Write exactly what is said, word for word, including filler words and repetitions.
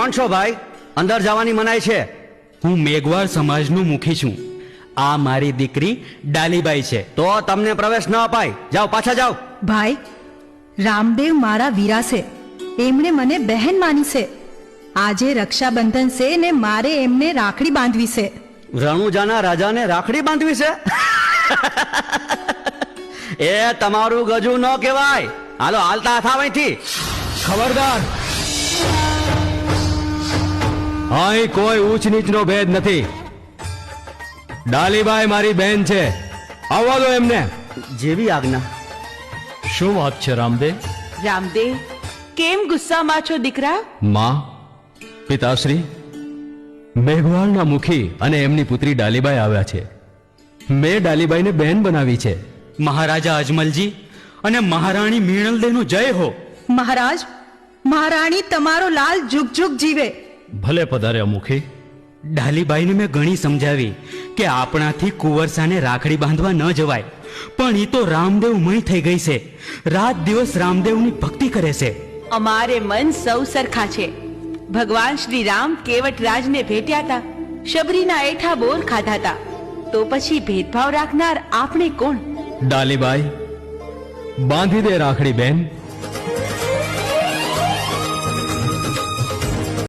કોણ છો ભાઈ? અંદર જવાની મનાઈ છે. હું મેઘવાળ સમાજનું મુખી છું. આ મારી દીકરી ડાલીબાઈ છે. તો તમને પ્રવેશ ન અપાય. જાઓ, પાછા જાઓ. ભાઈ, રામદેવ મારા વીરા છે. એમણે મને બહેન માની છે. આજે રક્ષાબંધન છે ને મારે એમને રાખડી બાંધવી છે. રણુજાના રાજાને રાખડી બાંધવી છે? એ તમારું ગજુ ન કહેવાય. હાલો, હાલતા થાવ અહીંથી. ખબરદાર, અહીં કોઈ ઊંચ નીચનો ભેદ નથી. ડાલીબાઈ મારી બહેન છે. આવવા દો એમને. જેવી આજ્ઞા. શું વાત છે રામદેવ? રામદેવ, કેમ ગુસ્સામાં છો દીકરા? માં, પિતાશ્રી, મેઘવાળના મુખી અને એમની પુત્રી ડાલીબાઈ આવ્યા છે. મેં ડાલીબાઈને બહેન બનાવી છે. મહારાજા અજમલજી અને મહારાણી મીણલદેનો જય હો. મહારાજ, મહારાણી તમારો લાલ જુગ જુગ જીવે. ભલે પધાર્યા મુખી. ડાલીબાઈને મેં ઘણી સમજાવી કે આપણાથી કુંવરસાને રાખડી બાંધવા ન જવાય, પણ એ તો રામદેવ મય થઈ ગઈ છે. રાત દિવસ રામદેવની ભક્તિ કરે છે. અમારે મન સૌ સરખા છે. ભગવાન શ્રી રામ કેવટરાજને ભેટ્યા હતા, શબરીના એઠા બોર ખાધા હતા, તો પછી ભેદભાવ રાખનાર આપણે કોણ? ડાલીબાઈ, બાંધી દે રાખડી બેન.